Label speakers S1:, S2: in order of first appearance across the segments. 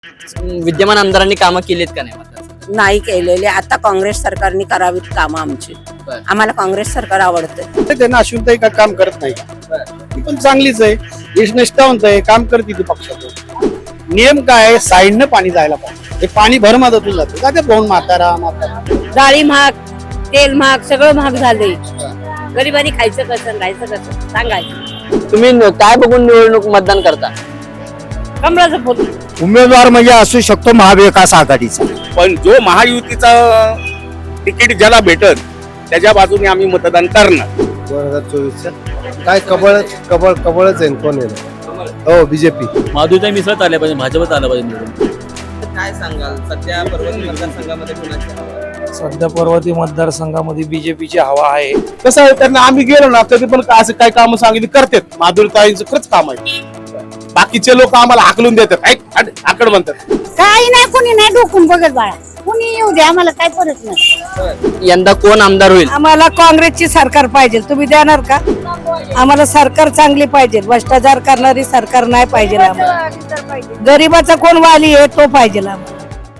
S1: विद्यमान आमदारांनी कामं केलीत का नाही मतदारसंघात?
S2: नाही केलेले. आता काँग्रेस सरकारने करावीत कामं आमची.
S1: बरं.
S2: आम्हाला काँग्रेस सरकार आवडतं.
S3: त्यांना अश्विनताई काय काम करत नाही का? ती पण चांगलीच आहे, निष्ठावंत आहे, काम करते ती पक्षात. नियम काय आहे? साईडनं पाणी जायला पाहिजे. हे पाणी भरमादातून जातं का ते पाहून म्हातारा
S2: डाळी महाग, तेल महाग, सगळं महाग झालंय. गरिबांनी खायचं कसं, राहायचं कसं सांगायचं.
S1: तुम्ही काय बघून निवडणूक मतदान करता?
S2: कमळाचं फुल.
S3: उमेदवार म्हणजे असू शकतो महाविकास आघाडीचा.
S4: पण जो महायुतीचा तिकीट ज्याला भेटत त्याच्या बाजूने आम्ही मतदान करणार.
S3: 2024 काय कबळच आहे कोण आहे? हो, बीजेपी.
S5: माधुरीताई मिसळत आल्या पाहिजे, भाजपत आलं पाहिजे निवडून.
S1: काय सांगाल सध्या पर्वती मतदारसंघामध्ये कुणाची हवा आहे?
S6: सध्या पर्वती मतदारसंघामध्ये बीजेपीची हवा आहे.
S3: कसं आहे, त्यांना आम्ही गेलो ना कधी पण असं काय काम सांगितली करतात. माधुरीताईंचं खरंच काम आहे. बाकीचे लोक आम्हाला हाकलून देतात, आकड म्हणतात.
S2: काही नाही, कोणी नाही डोकून बघत बाळा. कोणी येऊ दे, आम्हाला काय परत नाही.
S1: यंदा कोण आमदार होईल?
S2: आम्हाला काँग्रेसची सरकार पाहिजे. तुम्ही देणार का? आम्हाला सरकार चांगली पाहिजे. भ्रष्टाचार करणारी सरकार नाही पाहिजे आम्हाला. गरीबाचा कोण वाली आहे तो पाहिजे आम्हाला.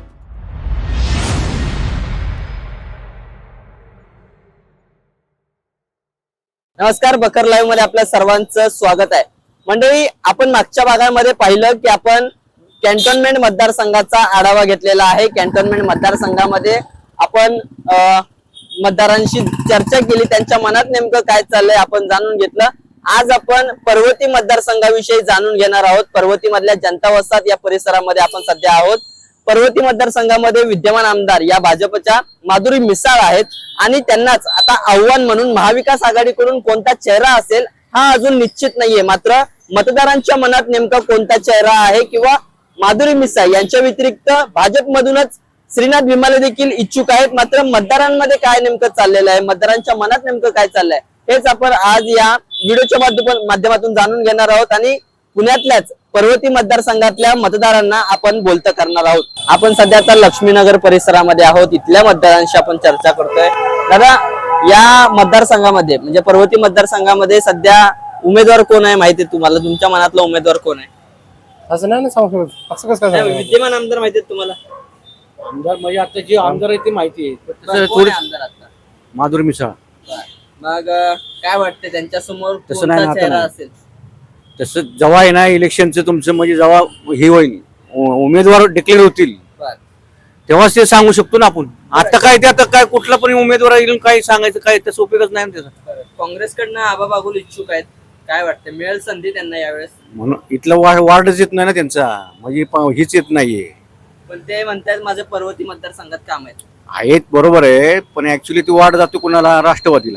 S1: नमस्कार, बकर लाईव्ह मध्ये आपल्या सर्वांचं स्वागत आहे. मंडळी, आपण मागच्या भागामध्ये पाहिलं की आपण कॅन्टोन्मेंट मतदारसंघाचा आढावा घेतलेला आहे. कॅन्टोन्मेंट मतदारसंघामध्ये आपण मतदारांशी चर्चा केली, त्यांच्या मनात नेमकं काय चाललंय आपण जाणून घेतलं. आज आपण पर्वती मतदारसंघाविषयी जाणून घेणार आहोत. पर्वती मधल्या जनता वसाहत या परिसरामध्ये आपण सध्या आहोत. पर्वती मतदारसंघामध्ये विद्यमान आमदार या भाजपच्या माधुरी मिसाळ आहेत आणि त्यांनाच आता आव्हान म्हणून महाविकास आघाडीकडून कोणता चेहरा असेल हा अजून निश्चित नाहीये. मात्र मतदारांच्या मनात नेमका कोणता चेहरा आहे किंवा माधुरी मिसाळ यांच्या व्यतिरिक्त भाजपमधूनच श्रीनाथ भिमाले देखील इच्छुक आहेत. मात्र मतदारांमध्ये काय नेमकं चाललेलं आहे, मतदारांच्या मनात नेमकं काय चाललंय हेच आपण आज या व्हिडिओच्या माध्यमातून जाणून घेणार आहोत आणि पुण्यातल्याच पर्वती मतदारसंघातल्या मतदारांना आपण बोलतं करणार आहोत. आपण सध्या आता लक्ष्मीनगर परिसरामध्ये आहोत. इथल्या मतदारांशी आपण चर्चा करतोय. दादा, या मतदारसंघामध्ये म्हणजे पर्वती मतदारसंघामध्ये सध्या उमेदवार कोण आहे माहिती आहे तुम्हाला? तुमच्या मनातला उमेदवार कोण आहे?
S3: असं नाही सांगू शकत. असं कसं काय?
S1: विद्यमान आमदार माहिती आहेत तुम्हाला?
S6: आमदार म्हणजे आता जे आमदार आहे ते माहिती आहे.
S1: कोण आहे आमदार आता?
S3: माधुरी मिसाळ.
S1: मग काय वाटतं त्यांच्या समोर
S3: तसं नाही
S1: कोणता
S3: ना,
S1: चेहरा
S3: आता
S1: असेल?
S3: तसं जेव्हा आहे ना इलेक्शनचं तुमचं म्हणजे जेव्हा हे होईल, उमेदवार डिक्लेअर होतील
S1: बरं.
S3: तेव्हाच ते सांगू शकतो ना आपण. आता काय ते आता काय कुठला पण उमेदवार येईल काय सांगायचं काय त्याचा उपयोगच नाही ना त्याचा.
S1: काँग्रेसकडनं आबा बागुल इच्छुक आहेत. काय वाटतं मिळेल संधी त्यांना यावेळेस?
S3: म्हणून इथलं वार्डच येत नाही ना त्यांचा, म्हणजे हीच येत नाहीये.
S1: पण ते म्हणतात माझं पर्वती मतदारसंघात काम आहेत.
S3: आहेत बरोबर आहे, पण ऍक्च्युली ती वार्ड जातो कुणाला? राष्ट्रवादीला.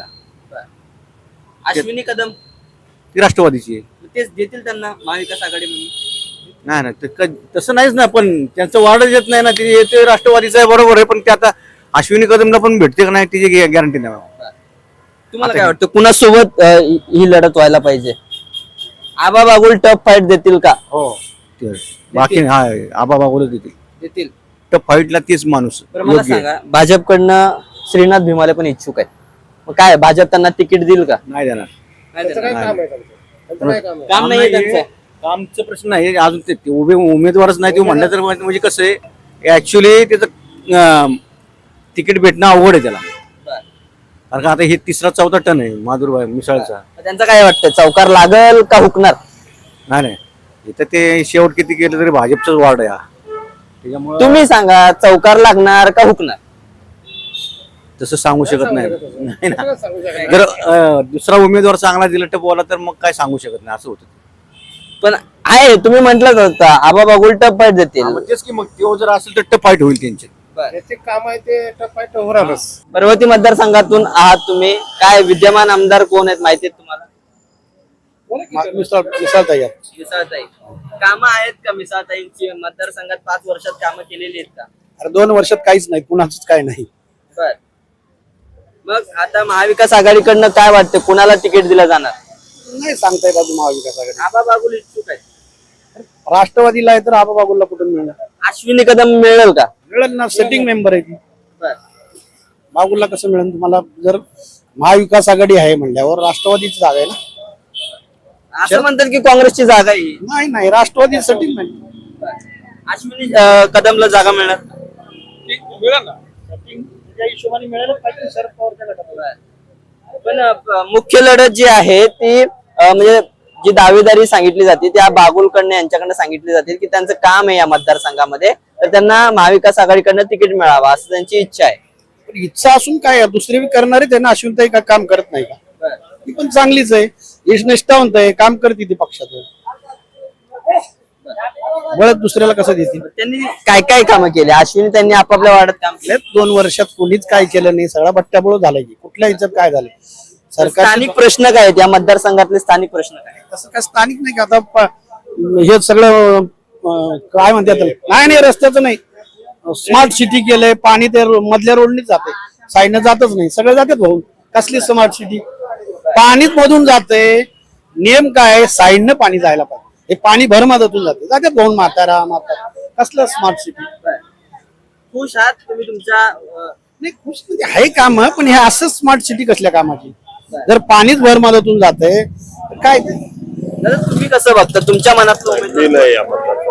S1: अश्विनी कदम
S3: ती राष्ट्रवादीची आहे.
S1: तेच देतील त्यांना महाविकास आघाडी म्हणून?
S3: नाही ना, तसं नाहीच ना. पण त्यांचं वार्डच येत नाही ना. ते राष्ट्रवादीचं आहे बरोबर आहे, पण ते आता अश्विनी कदमला पण भेटते का नाही तिची गॅरंटी नाही.
S1: तुम्हाला काय वाटतं कुणासोबत ही लढत व्हायला पाहिजे? आबा बागुल टफ फाईट देतील का?
S3: हो, बाकी हा आबा बागुलच
S1: देतील.
S3: तर फाईटला तेच माणूस
S1: बरं, मला
S3: योग्य आहे.
S1: सांगा, भाजपकडनं श्रीनाथ भिमाले पण इच्छुक आहेत. मग काय भाजप त्यांना तिकीट देईल का?
S3: नाही देणार.
S1: काम नाही त्यांचं.
S3: कामचा प्रश्न आहे अजून. ते उभे उमेदवारच नाही ते म्हणलं तर म्हणजे कसं आहे, ऍक्च्युली त्याचं तिकीट भेटणं अवघड आहे त्याला. कारण का आता हे तिसरा चौथा टन आहे माधुरी मिसाळचा.
S1: त्यांचं काय वाटतं, चौकार लागल का हुकणार?
S3: नाही इथं ते शेवट किती केलं तरी भाजपचाच वार्ड आहे हा. त्याच्यामुळे
S1: तुम्ही सांगा, चौकार लागणार का हुकणार?
S3: तसं सांगू शकत नाही ना. जर दुसरा उमेदवार चांगला दिला टपवाला तर मग काय सांगू शकत नाही, असं होतं.
S1: पण आहे, तुम्ही म्हटलं होतं आबा बागुल टफ फाईट देतील.
S3: तेच की मग तो जर असेल तर टप फाईट होईल त्यांचे. काम आहे ते टप फाईट होणारच.
S1: पर्वती मतदारसंघातून आहात तुम्ही, काय विद्यमान आमदार कोण आहेत माहिती आहेत तुम्हाला? मिसाळताई कामं आहेत का? मिसाळताईंची मतदारसंघात 5 वर्षात कामं केलेली आहेत का?
S3: अरे 2 वर्षात काहीच नाही, पुन्हाच काय नाही.
S1: बर, मग आता महाविकास आघाडीकडनं काय वाटतं, कुणाला तिकीट दिलं जाणार?
S3: नाही सांगता येत अजून महाविकास आघाडी.
S1: आबा बागुल इच्छुक आहेत.
S3: राष्ट्रवादीला आहे तर आबा बागुलला कुठून मिळणार?
S1: अश्विनी कदम मिळेल का?
S3: मिळेल ना, सेटिंग मेंबर आहे ती.
S1: बर,
S3: बागुलला कसं मिळेल तुम्हाला? जर महाविकास आघाडी आहे म्हणल्यावर राष्ट्रवादीची जागा आहे ना.
S1: असं म्हणतात की काँग्रेसची जागा आहे.
S3: नाही राष्ट्रवादी सेटिंग नाही.
S1: अश्विनी कदमला जागा मिळणार
S6: त्या हिशोबाने मिळालं पाहिजे शरद पवारच्या गटात.
S1: पण मुख्य लढत जी आहे ती म्हणजे जी दावेदारी सांगितली जाते त्या बागुलकडनं यांच्याकडनं सांगितली जाते की त्यांचं काम आहे या मतदारसंघामध्ये तर त्यांना महाविकास आघाडीकडनं तिकीट मिळावं असं त्यांची इच्छा आहे.
S6: पण इच्छा असून काय आहे? दुसरे बी करणारे त्यांना अश्विनताई का काम करत नाही का? ती पण चांगलीच आहे, निष्ठावंत आहे, काम करते ती पक्षाचं. बळत दुसऱ्याला कसं देतील?
S1: त्यांनी काय काय कामं केली अश्विनी त्यांनी आपापल्या वार्डात काम केलं.
S6: 2 वर्षात कोणीच काय केलं नाही, सगळा बट्ट्याबोळ झालाय की कुठल्या ह्याच्यात काय झालंय? सरकार
S1: स्थानिक प्रश्न काय आहेत या मतदारसंघातले स्थानिक प्रश्न काय आहेत?
S6: तसं काय स्थानिक नाही का आता हे सगळं काय म्हणतात त्याला? नाही रस्त्याचं नाही, स्मार्ट सिटी केलंय, पाणी ते मधल्या रोडनीच जाते, साईडनं जातच नाही, सगळे जातात भाऊ. कसली स्मार्ट सिटी? पाणीच मधून जाते. नियम काय? साईडनं पाणी जायला पाहिजे. हे पाणी भरमधातून जातात भाऊ. म्हातारा कसलं स्मार्ट सिटी?
S1: खुश आहात तुम्ही तुमच्या
S6: नाही खुश म्हणजे आहे काम, पण हे असं स्मार्ट सिटी कसल्या कामाची? जर पाणीच भरमधातून जाते तर काय ते?
S1: दादा, तुम्ही कसं बघता तुमच्या मनातलं उमेदवार?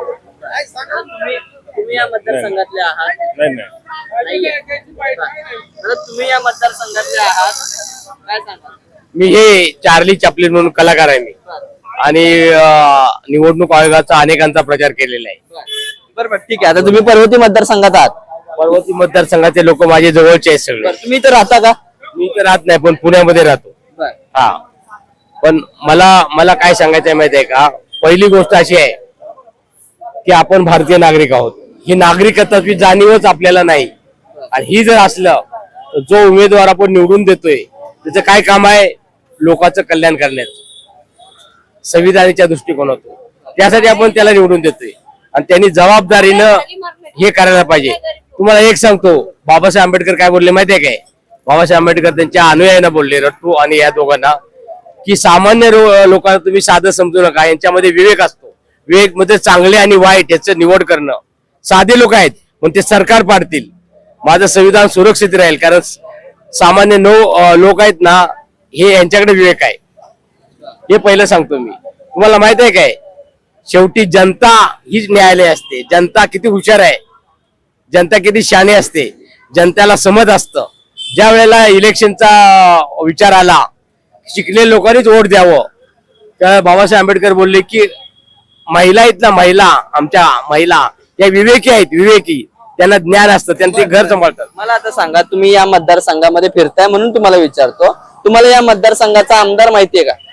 S1: तुम्ही या मतदारसंघातले आहात? नाहीये. दादा, तुम्ही या मतदारसंघातले आहात काय सांगा?
S7: मी हे चार्ली चॅपलिन म्हणून कलाकार आहे मी आणि निवडणूक आयोगाचा अनेकांचा प्रचार केलेला आहे.
S1: बरोबर, ठीक आहे. आता तुम्ही पर्वती मतदारसंघात आहात,
S7: पर्वती मतदारसंघाचे लोक माझे जवळचे आहेत सगळे.
S1: तुम्ही तर राहता का?
S7: मी तर राहत नाही पण पुण्यामध्ये राहतो. हा, पण मला काय सांगायचं आहे माहिती आहे का? पहिली गोष्ट अशी आहे की आपण भारतीय नागरिक आहोत. ही नागरिकत्वाची जाणीवच आपल्याला नाही आणि ही जर असलं तर जो उमेदवार आपण निवडून देतोय त्याचं काय काम आहे? लोकांचं कल्याण करण्याचं, संविधानाच्या दृष्टिकोनातून. त्यासाठी आपण त्याला निवडून देतोय आणि त्यांनी जबाबदारीनं हे करायला पाहिजे. तुम्हाला एक सांगतो, बाबासाहेब आंबेडकर काय बोलले माहितीये काय? बाबासाहेब आंबेडकर त्यांच्या अनुयायांना बोलले, रट्टू आणि या दोघांना, की सामान्य लोकांना तुम्ही साधं समजू नका, यांच्यामध्ये विवेक असतो. विवेक मध्ये चांगले आणि वाईट याचं निवड करणं. साधे लोक आहेत पण ते सरकार पाडतील, माझं संविधान सुरक्षित राहील. कारण सामान्य लोक आहेत ना, हे यांच्याकडे विवेक आहे. हे पहिलं सांगतो मी. तुम्हाला माहित आहे काय? शेवटी जनता हीच न्यायालय असते. जनता किती हुशार आहे, जनता किती शहाणी असते, जनतेला समज असतं. ज्या वेळेला इलेक्शनचा विचार आला, शिकलेल्या लोकांनीच वोट द्यावं, त्या बाबासाहेब आंबेडकर बोलले की महिला आहेत ना, आमच्या महिला या विवेकी आहेत, विवेकी, त्यांना ज्ञान असतं, त्यांना ते घर सांभाळतात.
S1: मला आता सांगा, तुम्ही या मतदारसंघामध्ये फिरताय म्हणून तुम्हाला विचारतो, तुम्हाला या मतदारसंघाचा आमदार माहितीये का?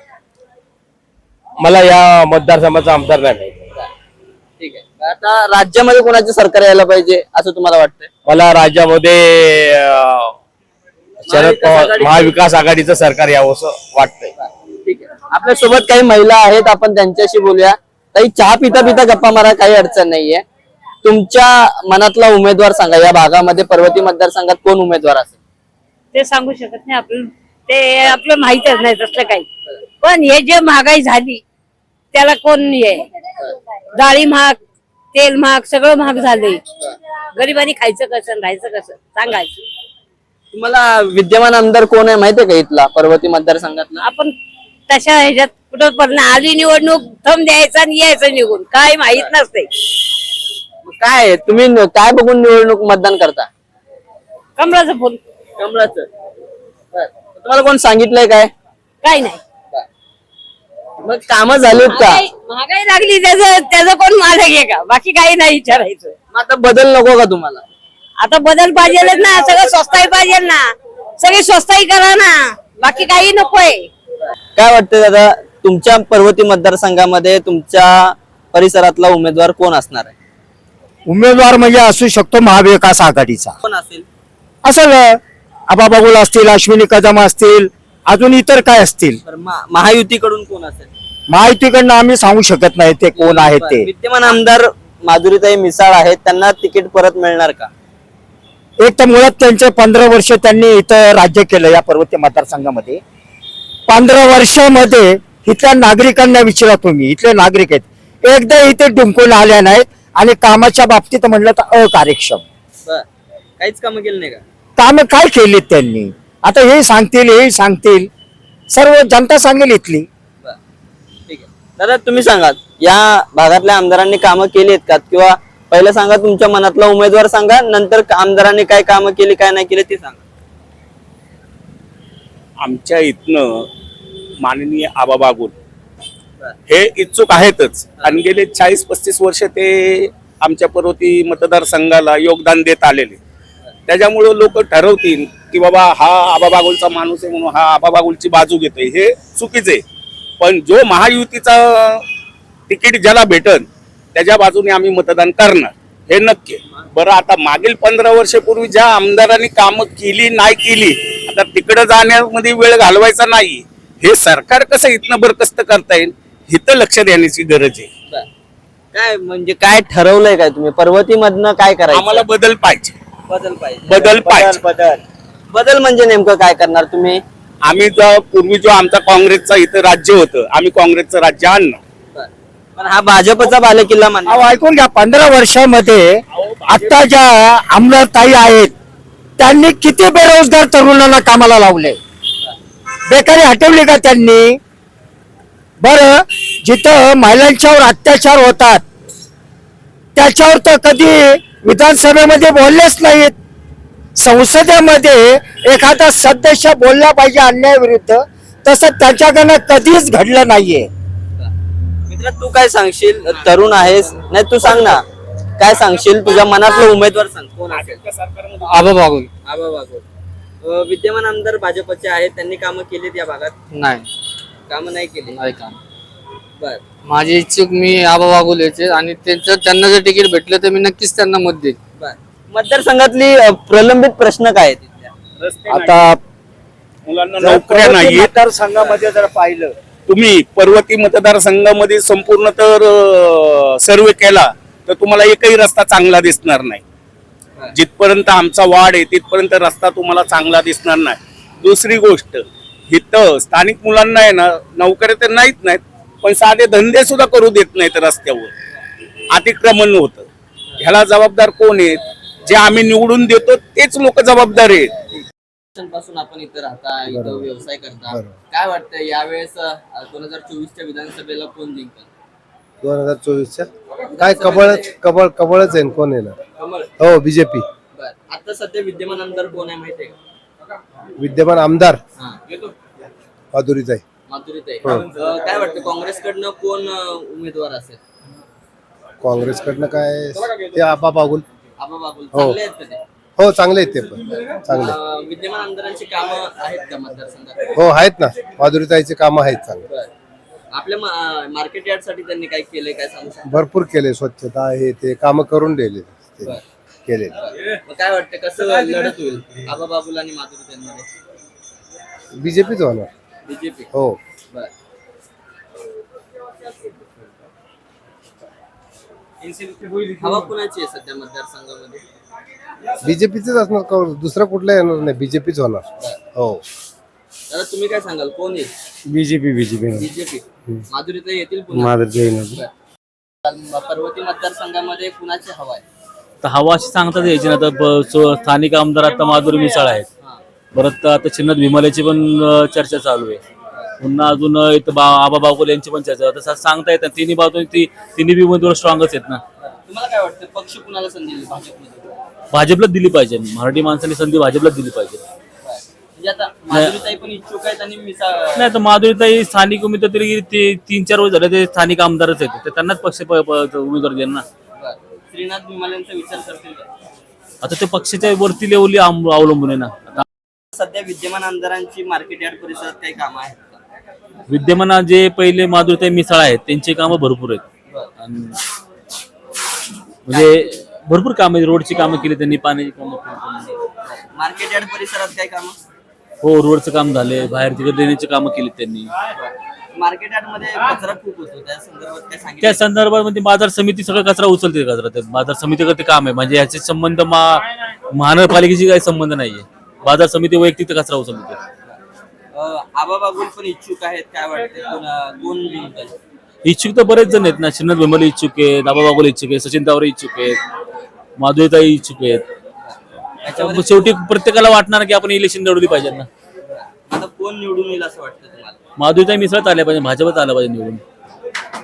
S7: मला या मतदारसंघाचा आमदार नाही माहिती.
S1: ठीक आहे. आता राज्यामध्ये कोणाचे सरकार यायला पाहिजे असं तुम्हाला वाटतंय?
S7: मला राज्यामध्ये शरद पवार महाविकास आघाडीचं सरकार यावं असं वाटतंय.
S1: ठीक आहे. आपल्या सोबत काही महिला आहेत, आपण त्यांच्याशी बोलूया. काही चहा पिता पिता गप्पा मारा, काही अडचण नाहीये. तुमच्या मनातला उमेदवार सांगा. या भागामध्ये पर्वती मतदारसंघात कोण उमेदवार असेल?
S2: ते सांगू शकत नाही आपण, ते आपलं माहितच नाही तसलं काही. पण हे जे महागाई झाली त्याला कोण आहे? डाळी महाग, तेल महाग, सगळं महाग झालंय. गरिबांनी खायचं कसं, राहायचं कसं सांगायचं?
S1: तुम्हाला विद्यमान आमदार कोण आहे माहितीये का इथला पर्वती मतदारसंघातला?
S2: आपण तशा ह्याच्यात कुठं पण आली निवडणूक, थंब द्यायचा आणि यायचं निघून, काय माहित नसते.
S1: काय आहे? तुम्ही काय बघून निवडणूक मतदान करता?
S2: कमळाचं फुल,
S1: कमळाचं. तुम्हाला कोण सांगितलंय काय?
S2: काय नाही.
S1: मग कामं झालीत का?
S2: महागाई लागली त्याचं कोण मालक आहे का? बाकी काही नाही विचारायचं.
S1: मग आता बदल नको का तुम्हाला?
S2: आता बदल पाहिजे ना, सगळं स्वस्ताई पाहिजे ना, सगळी स्वस्ताई करा ना, बाकी काही नकोय.
S1: काय वाटतं दादा, तुमच्या पर्वती मतदारसंघामध्ये तुमच्या परिसरातला उमेदवार कोण असणार आहे?
S3: उमेदवार म्हणजे असू शकतो महाविकास आघाडीचा.
S1: कोण असेल?
S3: असं आबा बागुल असतील, अश्विनी कदम असतील, अजून इतर काय असतील.
S1: तर महायुतीकडून कोण असेल?
S3: माहितीकडनं आम्ही सांगू शकत नाही ते कोण आहेत ते.
S1: विद्यमान आमदार माधुरीताई मिसाळ आहेत, त्यांना तिकीट परत मिळणार का?
S3: एक तर मुळात त्यांचे 15 वर्ष त्यांनी इथं राज्य केलं या पर्वती मतदारसंघामध्ये. 15 वर्षामध्ये इथल्या नागरिकांना विचारा तुम्ही, इथले नागरिक आहेत, एकदा इथे डुंकून आल्या नाहीत आणि कामाच्या बाबतीत म्हणलं तर अकार्यक्षम.
S1: काहीच कामं केली नाही का?
S3: कामं काय केलीत त्यांनी? आता हे सांगतील, हे सांगतील, सर्व जनता सांगेल इथली.
S1: ठीक आहे. दादा तुम्ही सांगा या भागातल्या आमदारांनी कामं केली आहेत का, किंवा पहिलं सांगा तुमच्या मनातला उमेदवार सांगा, नंतर आमदारांनी काय कामं केली काय नाही केली ते सांगा.
S4: आमच्या इथनं माननीय आबा बागुल हे इच्छुक आहेतच आणि गेले 40-35 वर्ष ते आमच्या पर्वती मतदारसंघाला योगदान देत आलेले. त्याच्यामुळे लोक ठरवतील की बाबा हा आबा बागुलचा माणूस आहे म्हणून हा आबा बागुलची बाजू घेतोय, हे चुकीचे. पण जो महायुतीचा तिकीट ज्याला भेटल त्याच्या बाजूने आम्ही मतदान करणार हे नक्की. बरं आता मागील 15 वर्षापूर्वी ज्या आमदारांनी कामं केली नाही केली, आता तिकडे जाण्यामध्ये वेळ घालवायचा नाही. हे सरकार कसं इथनं बरखास्त करता येईल इथं लक्ष देण्याची गरज आहे.
S1: काय म्हणजे काय ठरवलंय काय तुम्ही पर्वतीमधनं काय करायचं?
S4: आम्हाला बदल पाहिजे.
S1: बदल पाहिजे.
S4: बदल पाहिजे.
S1: बदल म्हणजे नेमकं काय करणार तुम्ही?
S4: आम्ही पूर्वी जो आमचा काँग्रेसचा इथं राज्य होतं, आम्ही काँग्रेसचं राज्य आणलं.
S1: पण हा भाजपचा बालेकिल्ला मानला.
S6: अहो ऐकून घ्या, 15 वर्षामध्ये आता ज्या आमदार ताई आहेत त्यांनी किती बेरोजगार तरुणांना कामाला लावले, बेकारी हटवली का त्यांनी? बरं, जिथं महिलांच्यावर अत्याचार होतात त्याच्यावर तर कधी विधानसभेमध्ये बोललेच नाहीत. संसदेमध्ये एखादा सदस्य बोलला पाहिजे अन्यायाविरुद्ध, तसं त्याच्याकडनं कधीच घडलं नाहीये.
S1: मित्र तू काय सांगशील? तरुण आहेस, नाही तू सांग ना काय सांगशील? तुझ्या मनातलं उमेदवार सांग कोण असेल?
S6: आबा बागुल.
S1: आबा बागुल विद्यमान आमदार भाजपचे आहेत, त्यांनी कामं केलीत या भागात?
S8: नाही
S1: कामं नाही केली.
S8: नाही काम.
S1: बर
S8: माझी इच्छुक मी आबा बागुल याचे, आणि त्यांना जर तिकीट भेटलं तर मी नक्कीच त्यांना मत देईन.
S1: बर. मतदारसंघातली प्रलंबित प्रश्न काय आहेत तिथल्या?
S4: आता मुलांना नोकऱ्या नाहीये.
S3: मतदारसंघामध्ये जर पाहिलं
S4: तुम्ही पर्वती मतदारसंघामध्ये संपूर्ण तर सर्वे केला तर तुम्हाला एकही रस्ता चांगला दिसणार नाही. जिथपर्यंत आमचा वार्ड आहे तिथपर्यंत रस्ता तुम्हाला चांगला दिसणार नाही. दुसरी गोष्ट, इथं स्थानिक मुलांना आहे ना नोकऱ्या तर नाहीत, पण साधे धंदे सुद्धा करू देत नाहीत. रस्त्यावर अतिक्रमण होतं. ह्याला जबाबदार कोण आहेत? जे आम्ही निवडून देतो तेच लोक जबाबदार आहेत.
S1: पासून आपण इथं राहता, इथं व्यवसाय करता, काय वाटतं यावेळेस 2024च्या विधानसभेला कोण जिंकल?
S9: 2024च्या काय कबळच आहे. कोण येणार?
S1: कमळ.
S9: हो, बीजेपी.
S1: बर. आता सध्या विद्यमान आमदार कोण आहे माहितीये का?
S9: विद्यमान आमदार
S1: हा येतो
S9: माधुरीताई.
S1: माधुरीताई. काय वाटतं काँग्रेसकडनं कोण उमेदवार असेल?
S9: काँग्रेसकडनं काय ते आबा बागुल.
S1: आबा बागुल चांगले आहेत का ते?
S9: हो, चांगले आहेत ते पण चांगले.
S1: विद्यमान आमदारांची कामं आहेत का मतदारसंघात?
S9: हो आहेत ना, माधुरीताईचे काम आहेत चांगले.
S1: बर. आपल्या मार्केट यार्ड साठी त्यांनी काय केलंय काय सांगू शकता?
S9: भरपूर केले, स्वच्छता हे ते काम करून दिले
S1: बर.
S9: केले.
S1: मग काय वाटतं कसं लढत होईल आबा बागुल आणि माधुरीताईंमध्ये?
S9: बीजेपीच होणार.
S1: बीजेपी.
S9: हो.
S1: बर. हवा कुणाची आहे सध्या मतदारसंघामध्ये?
S9: बीजेपीच असणार, दुसरं कुठलं येणार नाही, बीजेपीच होणार. हो.
S1: दादा तुम्ही काय सांगाल कोण येईल?
S6: बीजेपी.
S1: बीजेपी. माधुरीताई येतील पुन्हा? पर्वती मतदारसंघामध्ये कुणाची हवा आहे?
S5: तर हवा अशी सांगतात यायची ना. आता स्थानिक आमदार आता माधुरी मिसाळ आहेत. परत आता चिन्नत भीमालेची पण चर्चा चालू आहे. पुन्हा अजून इथं आबा बागुल यांची पण चर्चा. तसं सांगता येत तिन्ही बाजून तिन्ही बी उमेदवार स्ट्रॉंगच आहेत ना.
S1: तुम्हाला काय वाटतं पक्ष कुणाला संधी दिली भाजपमध्ये?
S5: भाजपलाच दिली पाहिजे. मराठी माणसांनी संधी भाजपलाच दिली पाहिजे.
S1: म्हणजे आता माधुरीताई पण इच्छुक आहेत आणि
S5: नाही तर माधुरीताई स्थानिक उमेदवार तरी 3-4 वर्ष झाले ते स्थानिक आमदारच आहेत, तर त्यांनाच पक्ष उमेदवार देणार ना.
S1: श्रीनाथ भीमालेंचा विचार करतील का?
S5: आता ते पक्षाच्या वरती लेवली अवलंबून आहे ना. आता
S1: सध्या विद्यमान आमदारांची मार्केट यार्ड परिसरात काही कामं आहेत का?
S5: विद्यमान जे पहिले माधुरीताई मिसाळ आहेत त्यांची कामं भरपूर आहेत. आणि म्हणजे भरपूर कामं आहेत. रोडची कामं केली त्यांनी, पाण्याची कामं केली.
S1: मार्केट यार्ड परिसरात काही कामं?
S5: हो, रोडचं काम झाले, बाहेर तिकडे ड्रेनेजची कामं केली त्यांनी.
S1: मार्केट यार्ड मध्ये कचरा खूप होतो, त्या संदर्भात काय सांगितलं?
S5: त्या संदर्भात म्हणजे बाजार समिती सगळं कचरा उचलते. कचरा ते बाजार समितीकडे ते काम आहे. म्हणजे याचे संबंध महानगरपालिकेशी काही संबंध नाहीये. बाजार समिती वैयक्तिक कचरा उचलते.
S1: आबा बागुल पण इच्छुक आहेत, काय वाटते कोण जिंकल?
S5: इच्छुक तर बरेच जण आहेत ना. चिन्नत भीमाले इच्छुक आहेत, आबा बागुल इच्छुक आहेत, सचिन तावरे इच्छुक आहेत, माधुरीताई इच्छुक आहेत. शेवटी प्रत्येकाला वाटणार की आपण इलेक्शन लढवली पाहिजे ना.
S1: आता कोण निवडून येईल असं वाटतं तुम्हाला?
S5: माधुरीताई मिसळत आल्या पाहिजे, भाजपत आलं पाहिजे निवडून.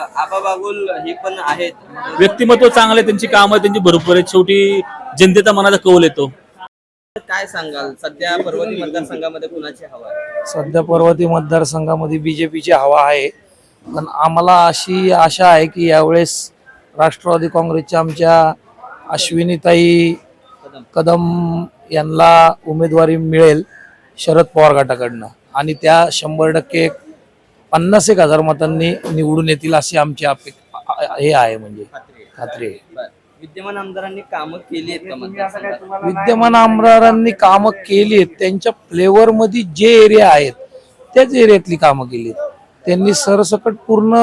S1: आबा बागुल हे पण आहेत.
S5: व्यक्तिमत्व चांगलं आहे, त्यांची कामं त्यांची भरपूर आहेत. शेवटी जनतेचा मनाचा कौल येतो.
S1: काय सांगाल सध्या पर्वती मतदारसंघामध्ये कुणाची हवा आहे?
S6: सध्या पर्वती मतदारसंघामध्ये बीजेपीची हवा आहे, पण आम्हाला अशी आशा आहे की यावेळेस राष्ट्रवादी काँग्रेसच्या आमच्या अश्विनीताई कदम यांना उमेदवारी मिळेल शरद पवार गटाकडनं, आणि त्या 100% 50,000 मतांनी निवडून येतील अशी आमची हे आहे, म्हणजे खात्री आहे.
S1: बरं. विद्यमान आमदारांनी कामं केली आहेत का मतदारसंघात?
S6: विद्यमान आमदारांनी कामं केली आहेत, त्यांच्या फ्लेवर मध्ये जे एरिया आहेत त्याच एरियातली कामं केली आहेत. त्यांनी सरसकट पूर्ण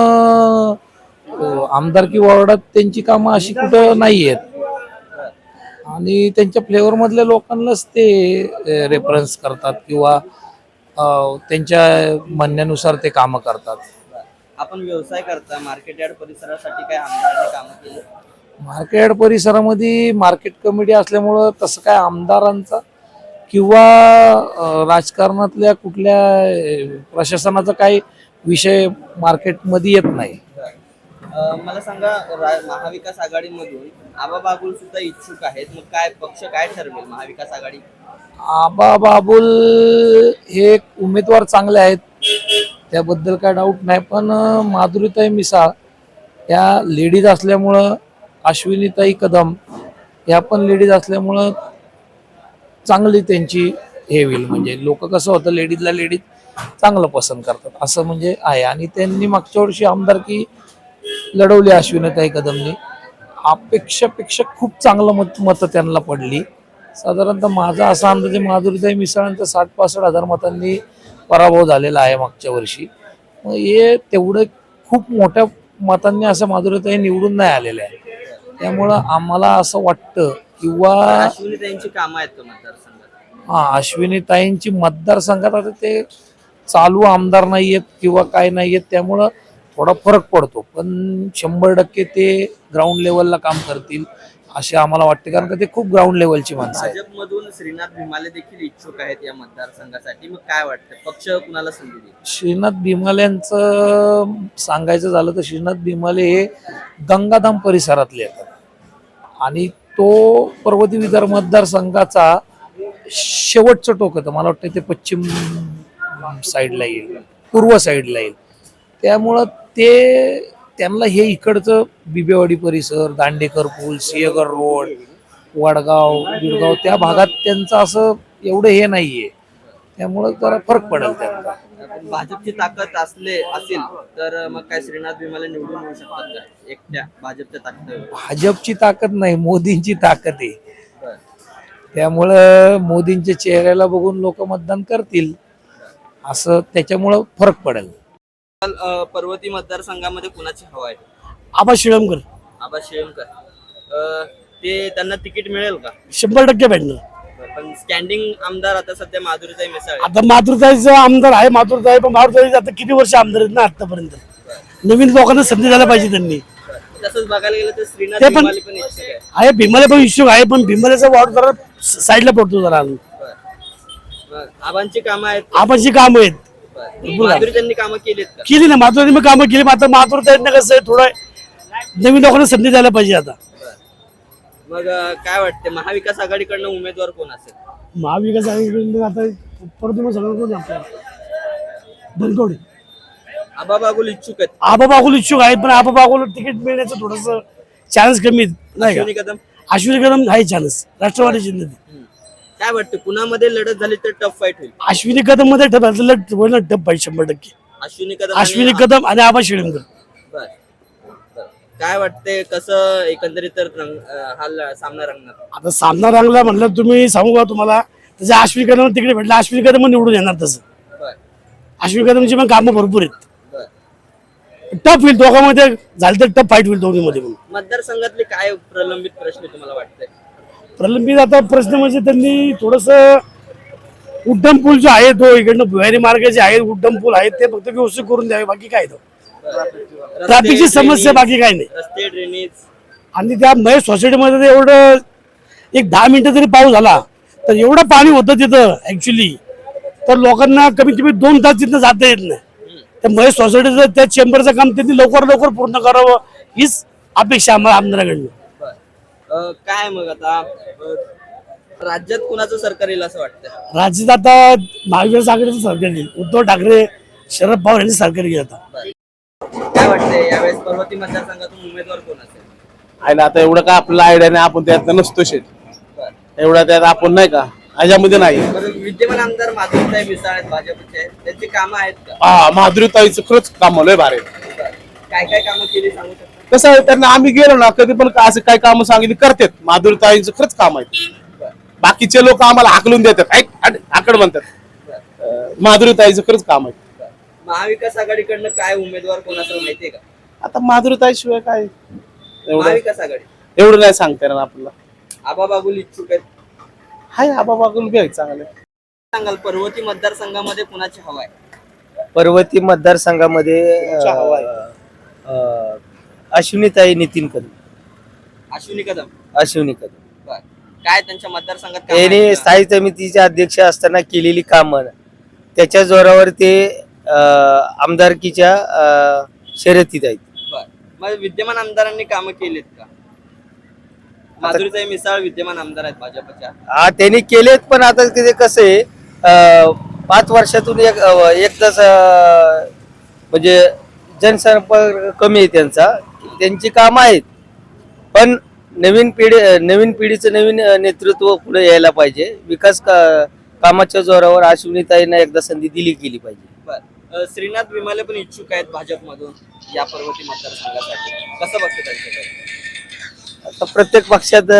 S6: आमदारकी वॉर्डात त्यांची कामं अशी कुठं नाही आहेत, आणि त्यांच्या फ्लेवर मधल्या लोकांनाच ते रेफरन्स करतात किंवा त्यांच्या म्हणण्यानुसार ते कामं करतात.
S1: आपण व्यवसाय करता, मार्केट यार्ड परिसरासाठी काय आमदारांनी कामं केली?
S6: मार्केट परिसरामध्ये मार्केट कमिटी असल्यामुळं तसं काय आमदारांचा किंवा राजकारणातल्या कुठल्या प्रशासनाचा काही विषय मार्केटमध्ये येत नाही.
S1: मला सांगा, महाविकास आघाडीमधून आबा बागुल सुद्धा इच्छुक आहेत. मग काय पक्ष काय ठरवेल महाविकास आघाडी?
S6: आबा बाबुल हे एक उमेदवार चांगले आहेत, त्याबद्दल काय डाऊट नाही, पण माधुरीताई मिसाळ या लेडीज असल्यामुळं, अश्विनीताई कदम या पण लेडीज असल्यामुळं चांगली त्यांची हे होईल. म्हणजे लोक कसं होतं, लेडीजला लेडीज चांगलं पसंत करतात असं म्हणजे आहे. आणि त्यांनी मागच्या वर्षी आमदारकी लढवली अश्विनीताई कदमनी, अपेक्षापेक्षा खूप चांगलं मतं त्यांना पडली. साधारणतः माझा असा अंदाज आहे माधुरीताई मिसाळांचा 60-65 हजार मतांनी पराभव झालेला आहे मागच्या वर्षी. मग हे तेवढं खूप मोठ्या मतांनी असं माधुरीताई निवडून नाही आलेलं आहे. त्यामुळं आम्हाला असं वाटतं किंवा
S1: अश्विनीताईंची कामं आहेत का मतदारसंघात?
S6: अश्विनीताईंची मतदारसंघात आता ते चालू आमदार नाही आहेत किंवा काय नाही आहेत, त्यामुळं थोडा फरक पडतो, पण 100% ते ग्राउंड लेवलला काम करतील असे आम्हाला वाटते, कारण का ते खूप ग्राउंड लेवलची माणसं आहेत.
S1: भाजपमधून श्रीनाथ भीमाले देखील इच्छुक आहेत या मतदारसंघासाठी. मग काय वाटतं, पक्ष कुणाला संधी देईल?
S6: श्रीनाथ भीमालेंचं सांगायचं झालं तर श्रीनाथ भीमाले हे गंगाधाम परिसरातले येतात, आणि तो पर्वती विदर्भ मतदारसंघाचा शेवटचं टोक होतं. मला वाटतं ते पश्चिम साईडला येईल, पूर्व साईडला येईल. त्यामुळं त्यांना हे इकडचं बिबेवाडी परिसर, दांडेकर पूल, सिंहगड रोड, वडगाव, बिरगाव त्या भागात त्यांचं असं एवढं हे नाहीये, त्यामुळं जरा फरक पडेल त्यांना.
S1: भाजपची ताकद असेल तर मग काय श्रीनाथ भीमाले निवडून येऊ शकतात का एकट्या भाजपच्या ताकद?
S6: भाजपची ताकद नाही, मोदींची ताकद आहे. त्यामुळं मोदींच्या चेहऱ्याला बघून लोक मतदान करतील, असं त्याच्यामुळं फरक पडेल.
S1: पर्वती मतदारसंघामध्ये कुणाची हवा आहे?
S6: आबा शिळमकर
S1: आबा शेळमकर. ते त्यांना तिकीट मिळेल का?
S6: 100% भेटणार.
S1: पण स्टँडिंग आमदार आता सध्या माधुरीताई मिसाळ आहे.
S6: आता मातृताईचा आमदार आहे, मातृताई, पण मातृताई आता किती वर्ष आमदार आहेत ना आतापर्यंत, नवीन लोकांना संधी द्यायला पाहिजे त्यांनी.
S1: तसंच बघायला गेलं तर श्रीनाथ
S6: ते पण-
S1: भीमाले पण इच्छुक आहे.
S6: आहे, भीमाले पण इच्छुक आहे, पण भीमालेचा वाढ जरा साईडला पडतो जरा.
S1: मग आबांची कामं आहेत.
S6: आबाची काम आहेत,
S1: माधुरीताईंनी कामं केलीत का?
S6: केली ना मातृताईंनी मग कामं केली, आता मातृताईंना कसं आहे, थोडं नवीन लोकांना संधी द्यायला पाहिजे. आता
S1: मग काय वाटते, महाविकास आघाडीकडनं उमेदवार कोण असेल?
S6: महाविकास आघाडीकडून आता परत तुम्हाला सगळं कोण आपल्याला धनकवडे
S1: आबा बागुल इच्छुक आहेत.
S6: आबा बागुल इच्छुक आहेत, पण आबा बागुल तिकीट मिळण्याचं थोडस चान्स कमी नाही का?
S1: अश्विनी कदम.
S6: अश्विनी कदम आहे चान्स, राष्ट्रवादी जिल्ह्यात.
S1: काय वाटतं, कुणामध्ये लढत झाली तर टफ फाईट होईल?
S6: अश्विनी कदम मध्ये टप 100%.
S1: अश्विनी कदम
S6: अश्विनी कदम आणि आबा शिळमकर.
S1: बर. काय वाटते, कसं एकंदरीत तर हा सामना रंगणार?
S6: आता सामना रंगला म्हणलं, तुम्ही सांगू का तुम्हाला, तसं अश्विनी कदम तिकडे भेटलं, अश्विनी कदम निवडून येणार. तसं
S1: बर.
S6: अश्विनी कदमची पण कामं भरपूर आहेत.
S1: बर.
S6: टफ होईल दोघांमध्ये, झालं तर टफ फाईट होईल दोघीमध्ये. पण
S1: मतदारसंघातले काय प्रलंबित प्रश्न तुम्हाला वाटतंय?
S6: प्रलंबित आता प्रश्न म्हणजे त्यांनी थोडस उड्डाण पूल जो आहे तो इकडनं भुयारी मार्ग जे आहेत उड्डाण पूल आहेत ते फक्त व्यवस्थित करून द्यावे, बाकी काय तो ट्रॅफिकची समस्या, बाकी काय नाही.
S1: रस्ते, ड्रेनेज,
S6: आणि त्या महेश सोसायटीमध्ये एवढं एक 10 मिनिटं जरी पाऊस झाला तर एवढं पाणी होतं तिथं ऍक्च्युली, तर लोकांना कमीत कमी 2 तास तिथं जाता येत नाही. त्या महेश सोसायटीचं त्या चेंबरचं काम त्यांनी लवकर पूर्ण करावं हीच अपेक्षा आम्हाला आमदाराकडून.
S1: काय मग आता राज्यात कुणाचं सरकार येईल असं वाटतं?
S6: राज्यात आता महाविकास आघाडीचं सरकार येईल. उद्धव ठाकरे शरद पवार यांनी सरकार येईल आता.
S1: काय वाटतंय यावेळेस पर्वती मतदारसंघातून उमेदवार कोण असेल?
S10: आहे आता एवढं काय आपल्याला आयडिया नाही, आपण त्यात नसतो शेत एवढा त्यात आपण नाही का ह्याच्यामध्ये नाही.
S1: बरं, विद्यमान आमदार माधुरीताई मिसाळ आहेत भाजपचे, त्यांची कामं आहेत का?
S10: हा माधुरीताईचं खरंच काम लय भारी आहे.
S1: काय काय कामं केली सांगू शकता?
S10: कसं आहे त्यांना आम्ही गेलो ना कधी पण असं काय कामं सांगितली करतात. माधुरीताईंचं खरंच काम आहे. बाकीचे लोक आम्हाला हाकलून देतात, आकड म्हणतात. माधुरीताईचं खरंच काम आहे.
S1: महाविकास आघाडीकडनं काय उमेदवार कोण असेल माहितीये का?
S10: आता माधुरीताई शिवाय काय एवढं
S1: महाविकास आघाडी
S10: एवढं नाही सांगता येणार आपल्याला.
S1: आबा बागुल इच्छुक आहेत.
S10: हाय आबा बागुल बी आहे चांगले.
S1: सांगाल पर्वती मतदारसंघामध्ये कुणाची हवा आहे?
S11: पर्वती मतदारसंघामध्ये अश्विनीताई नितीन कदम.
S1: अश्विनी कदम.
S11: अश्विनी कदम
S1: बरं. काय त्यांच्या मतदारसंघात कामं आहेत
S11: यांनी
S1: का?
S11: स्थायी समितीचे अध्यक्ष असताना केलेली कामं त्याच्या जोरावर ते आमदारकीच्या शर्यतीत आहेत.
S1: बरं. मग विद्यमान आमदारांनी कामं केलीत का? माधुरीताई मिसाळ विद्यमान आमदार आहेत भाजपच्या.
S11: हा त्यांनी केलेत, पण आता ते कसं आहे 5 वर्षातून एकदाच म्हणजे जनसंपर्क कमी आहे त्यांचा. त्यांची कामं आहेत, पण नवीन पिढीचं नवीन नेतृत्व पुढे यायला पाहिजे. विकास कामाच्या जोरावर अश्विनीताईंना एकदा संधी दिली गेली पाहिजे.
S1: बरं. श्रीनाथ विमाले पण इच्छुक आहेत भाजपमधून या पर्वती मतदारसंघासाठी, कसं बघतं त्यांच्याकडे?
S11: आता प्रत्येक पक्षात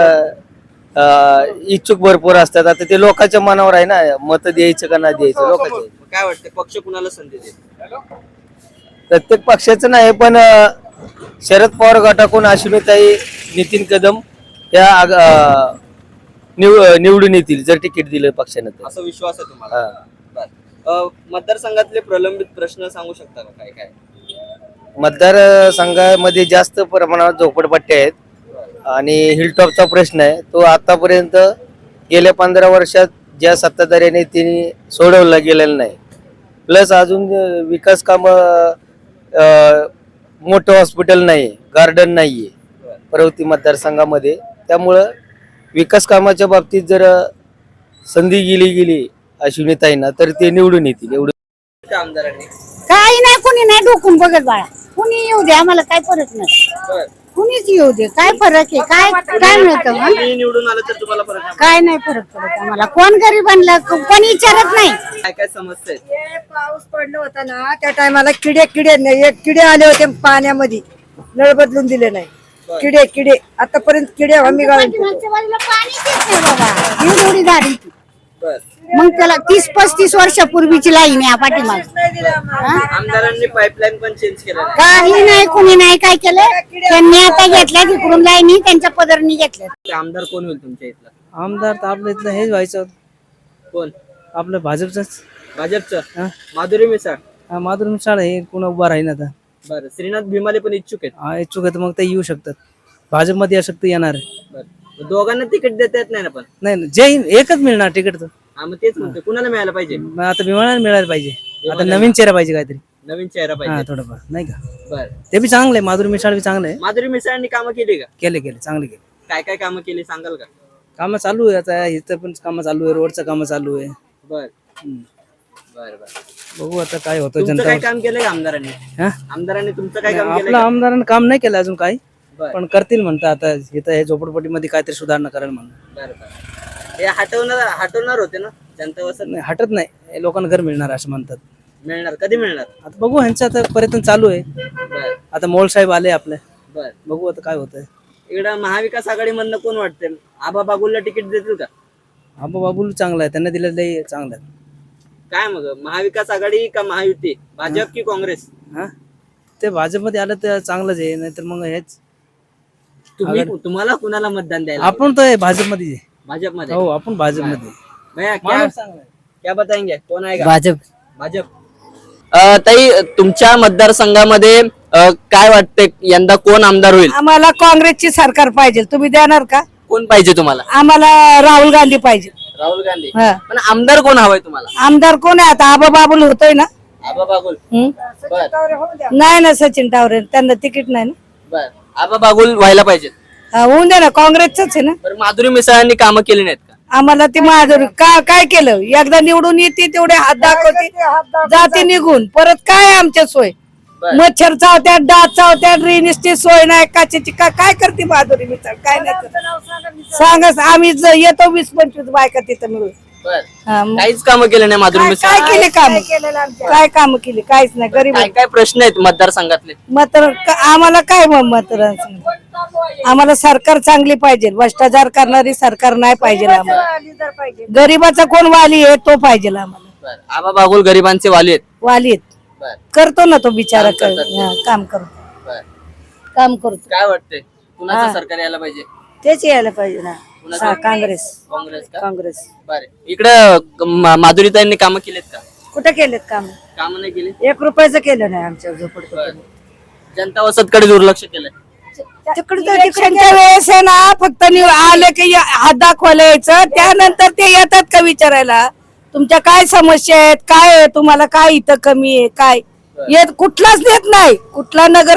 S11: इच्छुक भरपूर असतात. आता ते लोकांच्या मनावर आहे ना, मत द्यायचं का नाही द्यायचं लोकांच्या.
S1: काय वाटतं पक्ष कुणाला संधी देईल?
S11: प्रत्येक पक्षाचं नाही, पण शरद पवार गटाकडून अश्विनीताई नितीन कदम या निवडून येतील जर तिकीट दिलं पक्षानं तर.
S1: असा विश्वास आहे तुम्हाला? बरं. मतदारसंघातले प्रलंबित प्रश्न सांगू शकता का? काय काय
S11: मतदारसंघामध्ये जास्त प्रमाणात झोपडपट्ट्या आहेत आणि हिलटॉपचा प्रश्न आहे. तो आतापर्यंत गेल्या 15 वर्षात ज्या सत्ताधाऱ्याने त्यांनी सोडवला गेलेला नाही. प्लस अजून विकास काम मोठं हॉस्पिटल नाही, गार्डन नाहीये पर्वती मतदारसंघामध्ये. त्यामुळं विकास कामाच्या बाबतीत जर संधी गेली अश्विनीताईंना तर ते निवडून येतील. एवढं
S1: आमदारांनी
S2: काही नाही, कोणी नाही डोकून बघत बाळा. कुणी येऊ दे, आम्हाला काय फरक नाही.
S1: बरं.
S2: कुणीच येऊ दे, काय फरक आहे? काय मिळतं मग?
S1: कोणी निवडून आलं तर तुम्हाला फरक नाही?
S2: काय नाही फरक पडत आम्हाला. कोण गरीब आणलं कोणी विचारत नाही.
S1: काय काय समस्या आहेत?
S12: पाऊस पडलं होता ना त्या टायमाला किडे आले होते पाण्यामध्ये, नळ बदलून दिले नाही. किडे आतापर्यंत किडे आम्ही गाळून ठेवतो.
S2: पाठीमागच्या बाजूला पाणीच येत नाही बाबा. ही एवढी झाडी ती.
S1: बरं.
S2: मग त्याला 30-35 वर्षापूर्वीची लाईन आहे पाठीमाग.
S1: आमदारांनी पाईपलाईन पण चेंज केलं नाही.
S2: काही नाही, कुणी नाही काय केलं. त्यांनी आता घेतल्या तिकडून लाईनी त्यांच्या पदरनी घेतल्या.
S1: ते आमदार कोण होईल तुमच्या इथला?
S13: आमदार तर आपल्या इथलं हेच व्हायचं,
S1: कोण?
S13: आपलं भाजपच.
S1: भाजपचं माधुरी मिसाळ.
S13: माधुरी मिसाळ हे कोण उभा राहील आता.
S1: बरं. श्रीनाथ भीमाले पण इच्छुक आहेत.
S13: हा इच्छुक आहे तर मग ते येऊ शकतात. भाजपमध्ये या शक्ती येणार आहे.
S1: बरं. दोघांना तिकीट देता येत नाही ना? पण
S13: नाही जे एकच मिळणार तिकीट तर.
S1: हा, मग तेच म्हणते कुणाला मिळायला पाहिजे?
S13: मग आता विमानाला मिळायला पाहिजे. आता नवीन चेहरा पाहिजे काहीतरी.
S1: नवीन चेहरा
S13: हा
S1: पाहिजे.
S13: थोडंफार नाही का.
S1: बरं.
S13: ते बी चांगलं आहे. माधुरी मिसाळ बी चांगलं आहे.
S1: माधुरी मिसाळांनी कामं केली का?
S13: केले चांगले केले.
S1: काय काय कामं केली सांगाल का?
S13: कामं चालू आहे आता. इथं पण कामं चालू आहे, रोडचं कामं चालू आहे.
S1: बर बर बर.
S13: बघू आता काय होतं.
S1: तुमचं
S13: जनता
S1: काय काम केलंय आमदारांनी?
S13: हा?
S1: आमदारांनी तुमचं काय काम
S13: आपलं
S1: केलं?
S13: आमदारांनी काम नाही केलं अजून काही,
S1: बरं.
S13: पण करतील म्हणतात. आता इथं हे झोपडपट्टीमध्ये काहीतरी सुधारणा करायला म्हणून.
S1: बरं बरं. हे हटवणार होते ना जनता वसत?
S13: नाही हटत नाही, हे लोकांना घर मिळणार असं म्हणतात.
S1: मिळणार कधी मिळणार?
S13: आता बघू, ह्यांचं आता पर्यटन चालू आहे.
S1: बर
S13: आता मोळ साहेब आले आपले,
S1: बर.
S13: बघू आता काय होतंय.
S1: इकडं महाविकास आघाडीमधनं कोण वाटतंय? आबा बागुलला तिकीट देतील का?
S13: आबा बाबूल चांगला आहे, त्यांना दिलेलं लई चांगलं आहे.
S1: काय मग महाविकास आघाडी का महायुती, भाजप की काँग्रेस?
S13: हा ते भाजपमध्ये आलं तर चांगलंच आहे, नाहीतर मग हेच.
S1: तुम्हाला कुणाला मतदान द्यायला?
S13: आपण तर भाजपमध्ये आहे.
S1: भाजपमध्ये?
S13: हो आपण भाजपमध्ये.
S1: भैया
S13: माणूस चांगला आहे.
S1: क्या बताएंगे कोण आहे का?
S13: भाजप.
S1: भाजप. ताई तुमच्या मतदारसंघामध्ये काय वाटते यंदा कोण आमदार होईल?
S12: आम्हाला काँग्रेसची सरकार पाहिजे. तुम्ही देणार का?
S1: कोण पाहिजे तुम्हाला?
S12: आम्हाला राहुल गांधी पाहिजे.
S1: राहुल गांधी.
S12: हा.
S1: पण आमदार कोण हवाय तुम्हाला?
S12: आमदार कोण आहे आता? आबा बाबुल होतोय ना.
S1: आबा बागुल
S2: हं?
S1: बर
S2: नाही ना सचिन टावरे त्यांना तिकीट नाही ना
S1: बर आबा बागुल व्हायला पाहिजेत.
S2: होऊन दे ना काँग्रेसच आहे ना.
S1: बरं माधुरी मिसाळांनी कामं केली नाहीत का?
S2: आम्हाला ती माधुरी काय केलं एकदा निवडून येते तेवढे हात दाखवते जाते निघून परत काय आमच्या सोय
S1: बर.
S2: मच्छर चावत्यात डास चावत्यात ड्रेनेजची सोय नाही काचेची काय करते माधुरी मिसाळ काय नाही करत. सांगा आम्ही येतो 20-25 बायका तिथं मिळून.
S1: बर
S2: हा, मग
S1: काहीच कामं केली नाही माधुरी
S2: काय
S1: मिसाळ.
S2: केले काम काय काम केली काहीच नाही गरीब
S1: काय काय प्रश्न आहेत मतदारसंघातले?
S2: मात्र आम्हाला काय मात्र आम्हाला सरकार चांगली पाहिजे भ्रष्टाचार करणारी सरकार नाही पाहिजे आम्हाला. गरीबाचा कोण वाली आहे तो पाहिजे आम्हाला.
S1: बर आबा बागुल गरिबांचे वाली आहेत.
S2: वाली आहेत.
S1: बर
S2: करतो ना तो बिचारा
S1: काम करतात.
S2: काम करतो
S1: बर
S2: काम करतो
S1: काय वाटतंय कुणाचं सरकार यायला पाहिजे?
S2: तेच यायला पाहिजे ना
S1: कुणाचं?
S2: काँग्रेस
S1: काँग्रेस का?
S2: काँग्रेस
S1: बरं इकडं माधुरीताईंनी कामं केलेत का?
S2: कुठे केलेत काम
S1: कामं नाही केली.
S2: 1 रुपयाचं केलं नाही आमच्या झोपडपट्टीत.
S1: जनता वसतकडे दुर्लक्ष केलंय.
S2: इलेक्शनच्या वेळेस आहे ना फक्त आले की हात दाखवायला यायचं त्यानंतर ते येतात का विचारायला तुमच्या काय समस्या आहेत काय आहे तुम्हाला काय इथं कमी आहे काय येत कुठलाच देत नाही. कुठला नगर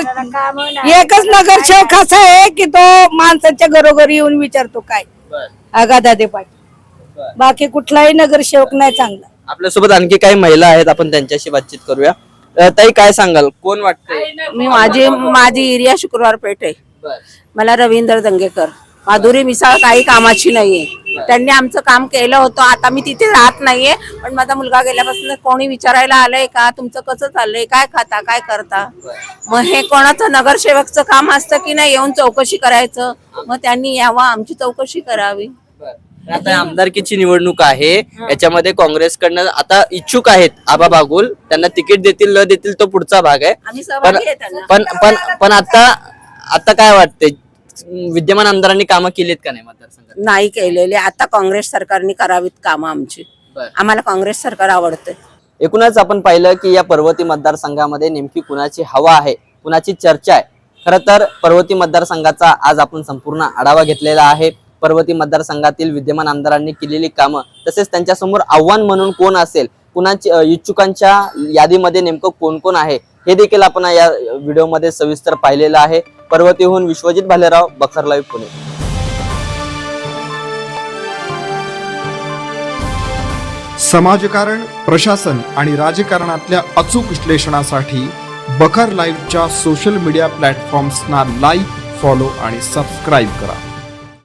S2: एकच नगरसेवक असा आहे की तो माणसाच्या घरोघरी येऊन विचारतो काय
S1: बर
S2: आगादादे पाटील बाकी कुठलाही नगरसेवक नाही चांगला.
S1: आपल्यासोबत आणखी काही महिला आहेत आपण त्यांच्याशी बातचीत करूया. ताई काय सांगाल कोण वाटतंय?
S2: मी माझी एरिया शुक्रवार पेठ आहे.
S1: बर
S2: मला रवींद्र दंगेकर माधुरी मिसाळ काही कामाची नाहीये त्यांनी आमचं काम केलं होतं आता मी तिथे राहत नाहीये पण माझा मुलगा गेल्यापासून कोणी विचारायला आलंय का तुमचं कसं चाललंय काय खाता काय करता मग हे कोणाचं नगरसेवकचं काम असतं की नाही येऊन चौकशी करायचं मग त्यांनी यावं आमची चौकशी करावी.
S1: आता आमदारकीची निवडणूक आहे याच्यामध्ये काँग्रेसकडनं आता इच्छुक आहेत आबा बागुल त्यांना तिकीट देतील न देतील तो पुढचा भाग आहे.
S2: आम्ही
S1: पण
S2: सहभागी आहे त्यांना.
S1: पण पण पण आता काय वाटतंय विद्यमान आमदारांनी कामं केलीत का नाही मतदारसंघात?
S2: नाही केलेले आता काँग्रेस सरकारने करावीत कामं आमची
S1: बरं.
S2: आम्हाला काँग्रेस सरकार आवडतं.
S1: एकूणच आपण पाहिलं की या पर्वती मतदारसंघामध्ये नेमकी कुणाची हवा आहे कुणाची चर्चा आहे. खरं तर पर्वती मतदारसंघाचा आज आपण संपूर्ण आढावा घेतलेला आहे. पर्वती मतदारसंघातील विद्यमान आमदारांनी केलेली कामं तसेच त्यांच्यासमोर आव्हान म्हणून कोण असेल कुणाची इच्छुकांच्या यादीमध्ये नेमकं कोण कोण आहे हे देखील आपण या व्हिडिओमध्ये सविस्तर पाहिलेलं आहे. पर्वतीहून विश्वजित भालेराव, बखर लाईव्ह, पुणे.
S14: समाजकारण प्रशासन आणि राजकारणातल्या अचूक विश्लेषणासाठी बखर लाईव्हच्या सोशल मीडिया प्लॅटफॉर्म्सना लाईक फॉलो आणि सबस्क्राईब करा.